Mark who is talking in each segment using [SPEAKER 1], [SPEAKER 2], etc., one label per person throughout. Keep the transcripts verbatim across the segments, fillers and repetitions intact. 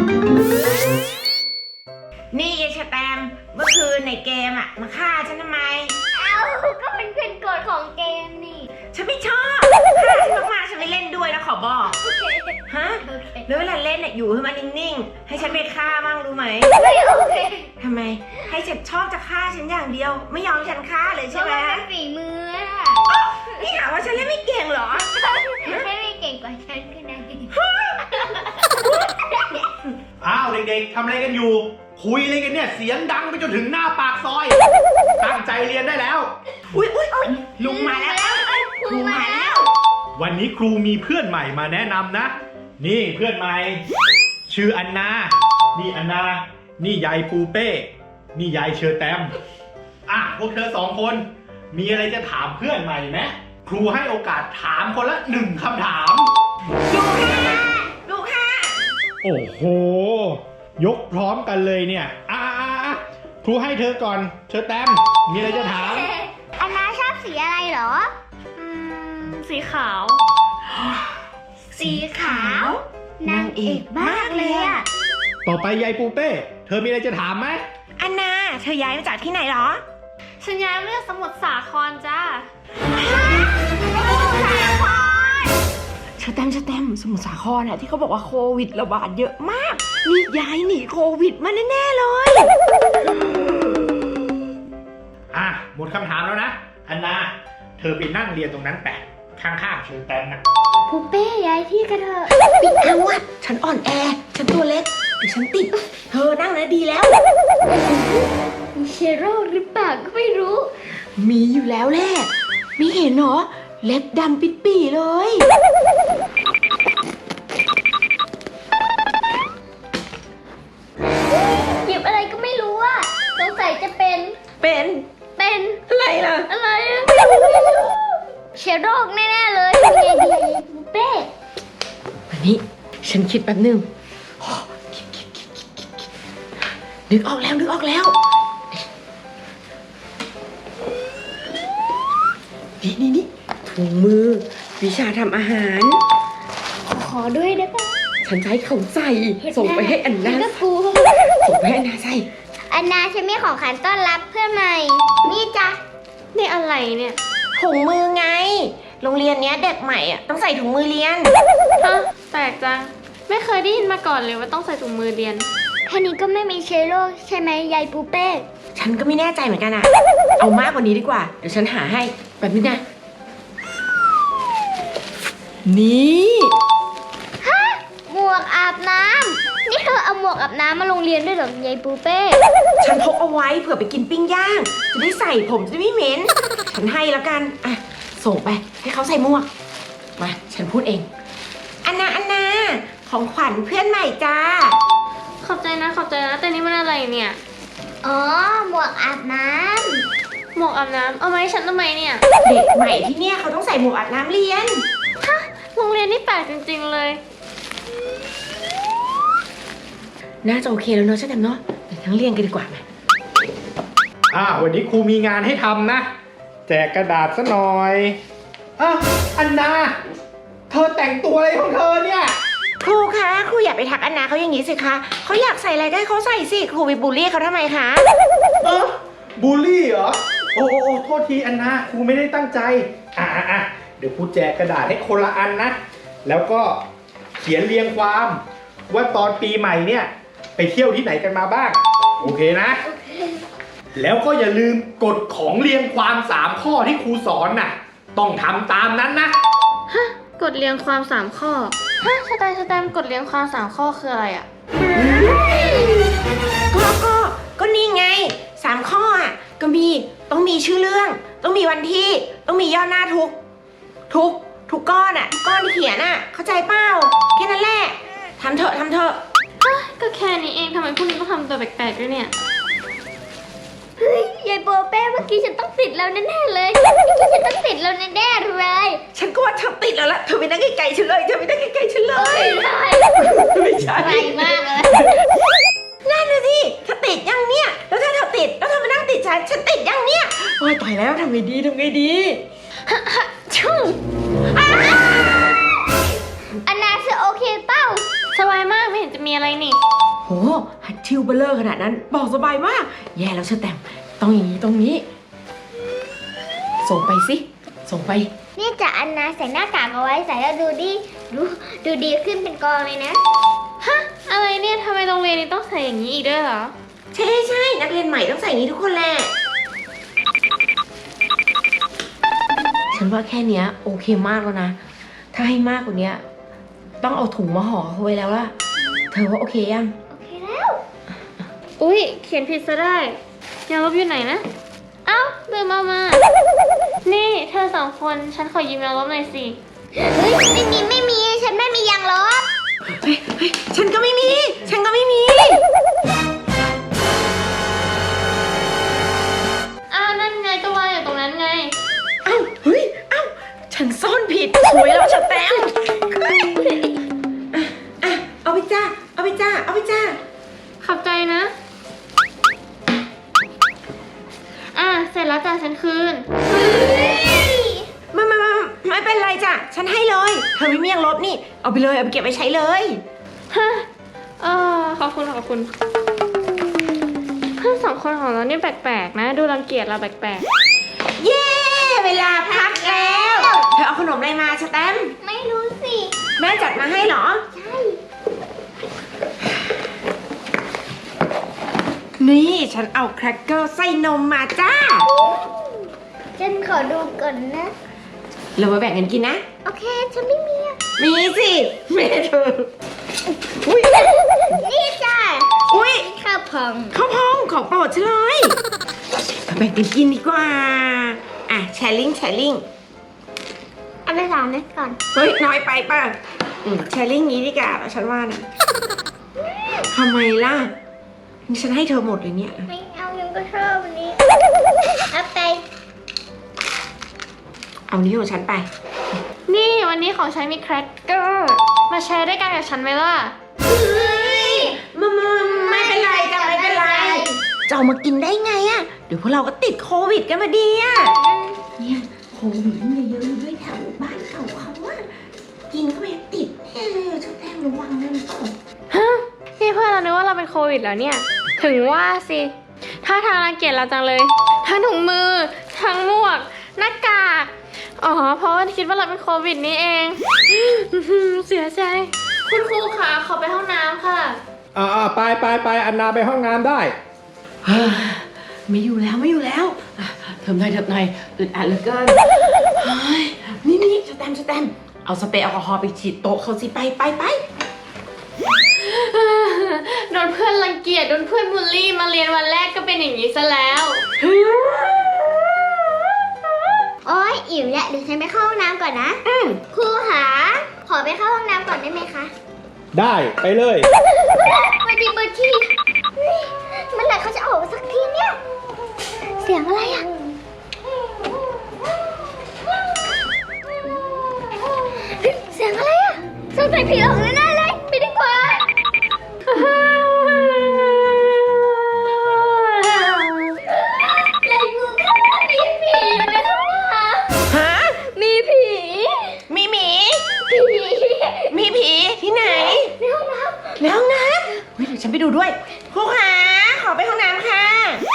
[SPEAKER 1] นี่ยายชแตมเมื่อคืนในเกมอะมาฆ่าฉันทำไม
[SPEAKER 2] เอ้าก็มันเป็นกฎของเกมนี่
[SPEAKER 1] ฉันไม่ชอบฆ่าฉันมากๆฉันไม่เล่นด้วยนะขอบอกฮะแล้วเวลาเล่นเนี่ยอยู่ให้มันนิ่งๆให้ฉันไปฆ่ามั่งรู้ไหม
[SPEAKER 2] ไม่โอเค
[SPEAKER 1] ทำไมให้ฉันชอบจะฆ่าฉันอย่างเดียวไม่ยอมฉันฆ่าเลยใช่ไหม
[SPEAKER 2] ฝีมือ
[SPEAKER 1] นี่หาว่าฉันเล่นไม่เก่งเหรอ
[SPEAKER 2] ให้ไม่เก่งกว่าฉันก็ได้
[SPEAKER 3] อ้าวเด็กๆทำอะไรกันอยู่คุยอะไรกันเนี่ยเสียงดังไปจนถึงหน้าปากซอยตั้งใจเรียนได้แล้ว
[SPEAKER 1] อุ้ยอุ้ยลุงมาแล้วครูมาแล้ว
[SPEAKER 3] วันนี้ครูมีเพื่อนใหม่มาแนะนำนะนี่เพื่อนใหม่ชื่ออันนานี่อันนานี่ยายปูเป้นี่ยายเชอแตมอ่ะพวกเธอสองคนมีอะไรจะถามเพื่อนใหม่ไหมครูให้โอกาสถามคนละหนึ่งคำถาม
[SPEAKER 1] ดูค่ะดูค่ะ
[SPEAKER 3] โอ้โหยกพร้อมกันเลยเนี่ยอ่ะครูให้เธอก่อนเชอแตมมีอะไรจะถาม
[SPEAKER 2] อันนาชอบสีอะไรเหรอ
[SPEAKER 4] อืมสีขาว
[SPEAKER 2] สีขาวนางเอกมากเลยอะ
[SPEAKER 3] ต่อไปยายปูเป้เธอมีอะไรจะถามไหม
[SPEAKER 1] อันนาเธอย้ายมาจากที่ไหนหรอ
[SPEAKER 4] ฉันย้ายมาจากสมุทรสาครจ้า
[SPEAKER 1] เชอแตมเชอแตมสมุทรสาครอะที่เขาบอกว่าโควิดระบาดเยอะมากนี่ย้ายหนีโควิดมาแน่ๆเลย
[SPEAKER 3] อ่ะหมดคำถามแล้วนะอันนาเธอไปนั่งเรียนตรงนั้นแปะข้างๆเชอแตมนะ
[SPEAKER 2] ปูเป้ย้ายที่กันเถอะ
[SPEAKER 1] ปิดเอาอะฉันอ่อนแอฉันตัวเล็กเดี๋ยวฉันติดเธอนั่งนะดีแล้ว
[SPEAKER 2] มีเชื้อโรคหรือเปล่าก็ไม่รู้
[SPEAKER 1] มีอยู่แล้วแหละไม่เห็นเหรอเล็บดำปิดปี่เลย
[SPEAKER 2] หยิบอะไรก็ไม่รู้อะสงสัยจะเป็น
[SPEAKER 1] เป็น
[SPEAKER 2] เป็น
[SPEAKER 1] อะไรล่ะ
[SPEAKER 2] อะไรอะเชื้อโรคแน่ๆเลยเป็นไงดีปูเป้
[SPEAKER 1] วันนี้ฉันคิดแป๊บนึงคิดคิดคิดคิดคิดคิดนึกออกแล้วนึกออกแล้วนี่นี่นี่ถุงมือวิชาทำอาหาร
[SPEAKER 2] ขอด้วยได้ปะ
[SPEAKER 1] ฉันจะให้เขาใส่ส่งไปให้อันนาส่งไปให้อันนาใส่
[SPEAKER 2] อันนาฉันมีของขวัญต้อนรับเพื่อนใหม่นี่จ้ะ
[SPEAKER 4] นี่อะไรเนี่ย
[SPEAKER 1] ถุงมือไงโรงเรียนเนี้ยเด็กใหม่อ่ะต้องใส่ถุงมือเรียน
[SPEAKER 4] ฮะแปลกจังไม่เคยได้ยินมาก่อนเลยว่าต้องใส่ถุงมือเรียน
[SPEAKER 2] แค่นี้ก็ไม่มีเชื้อโรคใช่ไหมยายปูเป้
[SPEAKER 1] ฉันก็ไม่แน่ใจเหมือนกันอ่ะเอามากกว่านี้ดีกว่าเดี๋ยวฉันหาให้แบบนี้นะนี่
[SPEAKER 2] ฮะหมวกอาบน้ำนี่เธอเอาหมวกอาบน้ำมาโรงเรียนด้วยเหรอยายปูเป้
[SPEAKER 1] ฉันพกเอาไว้เผื่อไปกินปิ้งย่างจะได้ใส่ผมจะไม่เหม็นฉันให้แล้วกันอ่ะส่งไปให้เขาใส่หมวกมาฉันพูดเองอันนาอันนาของขวัญเพื่อนใหม่จ้า
[SPEAKER 4] ขอบใจนะขอบใจนะแต่นี่มันอะไรเนี่ย
[SPEAKER 2] อ๋อหมวกอาบน้ำ
[SPEAKER 4] หมวกอาบน้ำเอามาให้ฉันทำไมเนี่ย
[SPEAKER 1] เด็กใหม่ที่เนี่ยเขาต้องใส่หมวกอาบน้ำเรียน
[SPEAKER 4] ฮะโรงเรียนนี่แปลกจริงๆเลย
[SPEAKER 1] น่าจะโอเคแล้วเนาะใช่ไหมเนาะเดี๋ยวทั้งเรียนกันดีกว่าไหม
[SPEAKER 3] อ่าวันนี้ครูมีงานให้ทำนะแจกกระดาษซะหน่อยอ่ะอันนาเธอแต่งตัวอะไรของเธอเนี่ย
[SPEAKER 1] ครูคะครูอย่าไปทักอันนาเขาอย่างนี้สิคะเขาอยากใส่อะไรก็ให้เขาใส่สิครูไปบูลลี่เขาทำไมคะ
[SPEAKER 3] เออบูลลี่เหรอโอ้โอ้โทษทีอันนาครูไม่ได้ตั้งใจอ่ะอ่ะเดี๋ยวครูแจกกระดาษให้คนละอันนะแล้วก็เขียนเรียงความว่าตอนปีใหม่เนี่ยไปเที่ยวที่ไหนกันมาบ้างโอเคนะแล้วก็อย่าลืมกฎของเรียงความสามข้อที่ครูสอนน่ะต้องทำตามนั้นนะ
[SPEAKER 4] ฮะกฎเรียงความสามข้อฮะสแตมสแตมกฎเรียงความสามข้อคืออะไรอ่ะ
[SPEAKER 1] ก็ก็ก็นี่ไงสามข้ออ่ะก็มีต้องมีชื่อเรื่องต้องมีวันที่ต้องมีย่อหน้าทุกทุกทุกก้อนอ่ะก้อนที่เขียนอ่ะเข้าใจเปล่าแค่นั้นแหละทำเถอะทำเถอะ
[SPEAKER 4] ก็แค่นี้เองทำไมพวกนี้ต้องทำตัวแปลกๆด้วยเนี่ย
[SPEAKER 2] เฮ้ยยายปูเป้เมื่อกี้ฉันต้องติดแล้วแน่ๆเลยเมื่อกี้ฉันต้องติดแล้วแน่ๆเลย
[SPEAKER 1] ฉันก็ว่าเธอติดแล้วล่ะเธอไปนั่งไกลๆฉันเลยเธอไปนั่งไกลๆฉันเลยไม่ใช่
[SPEAKER 2] ไกลมากเลย
[SPEAKER 1] นั่นน่ะสิเธอติดยังเนี่ยแล้วถ้าเธอติดแล้วเธอมานั่งติดฉันฉันติดยังเนี่ยโอ๊ยตายแล้วทำไงดีทำไงดี
[SPEAKER 2] ชุ่มอันนาเธอโอเคเปล่า
[SPEAKER 4] สบายมากไม่เห็นจะมีอะไรนี่
[SPEAKER 1] โหฮัตชิวเบลเลอร์ขนาดนั้นบอกสบายมาก แย่แล้วเชอแตมต้องอย่างนี้ตรงนี้ ส่งไปสิ ส่งไป
[SPEAKER 2] นี่จะอันนาใส่หน้ากากเอาไว้ใส่แล้วดูดีดูดูดีขึ้นเป็นกองเลยนะ
[SPEAKER 4] ฮะ อะไรเนี่ยทำไมโรงเรียนนี้ต้องใส่อย่างนี้อีกด้วยเหรอ
[SPEAKER 1] ใช่ใช่นักเรียนใหม่ต้องใส่อย่างนี้ทุกคนแหละ ฉันว่าแค่เนี้ยโอเคมากแล้วนะ ถ้าให้มากกว่านี้ต้องเอาถุงมาห่อเขาไว้แล้วล่ะ เธอว่าโอเคยัง
[SPEAKER 2] โอเคแล้ว
[SPEAKER 4] อุ๊ย เขียนผิดซะได้ยางลบอยู่ไหนนะ เอ้าลืมเอามา นี่เธอสองคนฉันขอยืมยางลบหน่อยสิ
[SPEAKER 2] เฮ้ยไม่มีไม่มีฉันไม่มียางลบ
[SPEAKER 1] เฮ้ยเฮ้ยฉันก็ไม่มี ฉันก็ไม่มี
[SPEAKER 4] อ้าวนั่นไงก็วางอยู่ตรงนั้นไง
[SPEAKER 1] เอ้าเฮ้ยเอ้าฉันซ่อนผิดสวยแล้วฉันแต้มอ่ะอ่ะเอาไปจ้า เอาไปจ้า เอาไปจ้า
[SPEAKER 4] ขอบใจนะ อ่ะ เสร็จแล้วจ้ะฉันคืน
[SPEAKER 1] มามามาไม่เป็นไรจ้ะ ฉันให้เลย เธอไม่มียังลบนี่ เอาไปเลย เอาไปเก็บไปใช้เลย
[SPEAKER 4] ฮะเออขอบคุณขอบคุณ เพื่อนสองคนของเรานี่แปลกๆนะ ดูรังเกียจเราแปลก
[SPEAKER 1] เย้ เวลาพักแล้ว เธอเอาขนมอะไรมาสแตมป์
[SPEAKER 2] ไม่รู้สิ
[SPEAKER 1] แม่จัดมาให้เหรอ
[SPEAKER 2] ใช่
[SPEAKER 1] นี่ฉันเอาแครกเกอร์ใส่นมมาจ้า
[SPEAKER 2] ฉันขอดูก่อนนะ
[SPEAKER 1] เรามาแบ่งกันกินนะ
[SPEAKER 2] โอเคฉันไม่มีอะ
[SPEAKER 1] มีสิแม่เธอ อุ้ย
[SPEAKER 2] นี่จ้ะ
[SPEAKER 1] อุ้ย
[SPEAKER 2] ข้าวพอง
[SPEAKER 1] ข้าวพองของโปรดฉันเลยมาแบ่งกันกินดีกว่า อ่ะแชร์ลิงแชร์ลิง
[SPEAKER 2] เอาไปสามเม็ดก่อน
[SPEAKER 1] เฮ้ย น้อยไปป่ะอืมแชร์ลิงนี้ดีกว่าฉันว่านะทำไมล่ะนี่ฉันให้เธอหมดเลยเนี่ย
[SPEAKER 2] ไม่เอายังก็ชอบอันนี้เอาไป
[SPEAKER 1] เอานี้ของฉันไป
[SPEAKER 4] ๆ นี่วันนี้ของฉันมีแครกเกอร์ มาแชร์ด้วยกันกับฉันไหมล่ะ
[SPEAKER 1] เฮ้ยมามาไม่เป็นไรจ้ะไม่เป็นไรจะเอามากินได้ไงอะเดี๋ยวพวกเราก็ติดโควิดกันมาดีอะเนี่ยโควิดเนี่ยเยอะๆด้วยแถวบ้านเขาเขาอะกินเข้าไปติดแน่เลยเจ้าแต้มระวังนะลูก
[SPEAKER 4] ฮะ นี่เพื่อนเรานึกว่าเราเป็นโควิดแล้วเนี่ย ถึงว่าสิถ้าทางรังเกียจเราจังเลย ทั้งถุงมือ ทั้งหมวก หน้ากาก อ๋อ เพราะว่าคิดว่าเราเป็นโควิดนี่เอง เสียใจ คุณครูคะขอไปห้องน้ำค่ะ
[SPEAKER 3] อ่าไปไปไปอันนาไปห้องน้ำได้
[SPEAKER 1] เฮ้ยไม่อยู่แล้วไม่อยู่แล้วอ่ะเทิมหน่อยเทิมหน่อยอึดอัดเหลือเกินเฮ้ยนี่นี่สแตมป์สแตมป์เอาสเปรย์แอลกอฮอล์ไปฉีดโต๊ะเขาสิไปไปไป
[SPEAKER 4] โดนเพื่อนรังเกียจ โดนเพื่อนบูลลี่ มาเรียนวันแรกก็เป็นอย่างนี้ซะแล้ว
[SPEAKER 2] โอ๊ยอิ่มแล้วเดี๋ยวฉันไปเข้าห้องน้ำก่อนนะ
[SPEAKER 1] อืม
[SPEAKER 2] ครูหาขอไปเข้าห้องน้ำก่อนได้ไหมคะ
[SPEAKER 3] ได้ไปเลย
[SPEAKER 2] มาดีเบอร์ทีเฮ้ยเมื่อไหร่เขาจะออกมาสักทีเนี่ย เสียงอะไรอ่ะเฮ้ยเสียงอะไรอ่ะสงสัยผีหลอกแน่ๆเลยไปดีกว่ายายงูค่ะมีผีอยู่ในห้องน้ำ
[SPEAKER 1] ฮะ
[SPEAKER 2] มีผี
[SPEAKER 1] มีหมี
[SPEAKER 2] ผี
[SPEAKER 1] มีผีที่ไหน
[SPEAKER 2] ในห้องน้ำ
[SPEAKER 1] ในห้องน้ำเฮ้ยเดี๋ยวฉันไปดูด้วยครูขาขอไปห้องน้ำค่ะ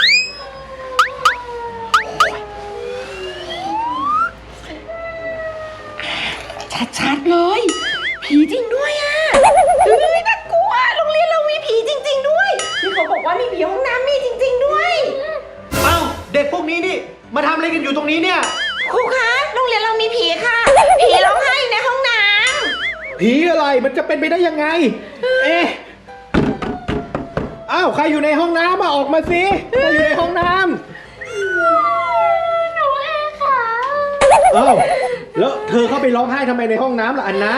[SPEAKER 1] ชัดๆเลย ผีจริงด้วยอ่ะเฮ้ยน่ากลัวโรงเรียนเรามีผีจริง ๆ ด้วยนี่เขาบอกว่ามีผีห้องน้ำมีจริง ๆ ด้วย
[SPEAKER 3] เอ้าเด็กพวกนี้นี่มาทำอะไรกันอยู่ตรงนี้เนี่ย
[SPEAKER 1] ครูคะโรงเรียนเรามีผีค่ะ ผีร้องไห้อยู่ในห้องน้
[SPEAKER 3] ผีอะไรมันจะเป็นไปได้ยังไง เอ๊ะอ้าวใครอยู่ในห้องน้ำมาออกมาสิใครอยู่ในห้องน้ำ
[SPEAKER 2] หนูเองค่ะ
[SPEAKER 3] อ้าวแล้วเธอเข้าไปร้องไห้ทำไมในห้องน้ำล่ะอันนา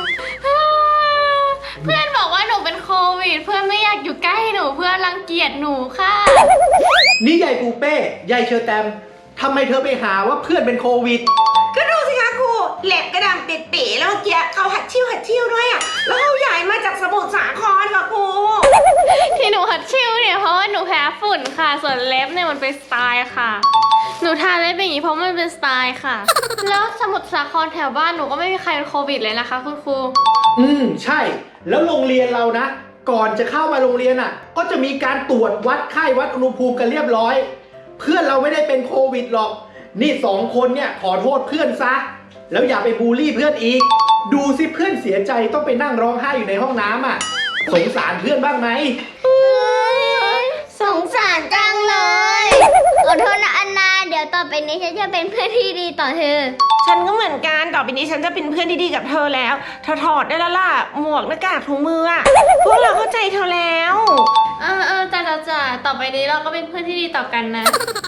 [SPEAKER 4] เพื่อนบอกว่าหนูเป็นโควิด เพื่อนไม่อยากอยู่ใกล้หนู เพื่อนรังเกียจหนูค่ะ
[SPEAKER 3] นี่ยายปูเป้ยายเชอแตมทำไมเธอไปหาว่าเพื่อนเป็นโควิด
[SPEAKER 1] ำก็ดูสิคะครูแหลบกระดำปิดปีแล้วเมื่อกี้เขาหัดชิ่วหัดชิ่วด้วยอ่ะแล้วเขาย้ายมาจากสมุทรสาครค่ะครู
[SPEAKER 4] ที่หนูหัดชิวเนี่ยเพราะว่าหนูแพ้ฝุ่นค่ะ ส่วนเล็บเนี่ยมันเป็นสไตล์ค่ะ หนูทาเล็บอย่างนี้เพราะมันเป็นสไตล์ค่ะ แล้วสมุทรสาครแถวบ้านหนูก็ไม่มีใครเป็นโควิดเลยนะคะคุณครู
[SPEAKER 3] อืมใช่ แล้วโรงเรียนเรานะก่อนจะเข้ามาโรงเรียนอ่ะ ก็จะมีการตรวจวัดไข้วัดอุณหภูมิกันเรียบร้อย เพื่อนเราไม่ได้เป็นโควิดหรอก นี่สองคนเนี่ยขอโทษเพื่อนซะ แล้วอย่าไปบูลลี่เพื่อนอีก ดูสิเพื่อนเสียใจต้องไปนั่งร้องไห้อยู่ในห้องน้ำอ่ะ สงสารเพื่อนบ้างไหม
[SPEAKER 2] สงสารจังเลยขอโทษนะอันนาเดี๋ยวต่อไปนี้ฉันจะเป็นเพื่อนที่ดีต่อเธอ
[SPEAKER 1] ฉันก็เหมือนกันต่อไปนี้ฉันจะเป็นเพื่อนที่ดีกับเธอแล้วเธอถอดได้แล้วล่ะหมวกหน้ากากถุงมืออะพวกเราเข้าใจเธอแล้ว
[SPEAKER 4] เออเออจ้าจ้าจ้าต่อไปนี้เราก็เป็นเพื่อนที่ดีต่อกันนะ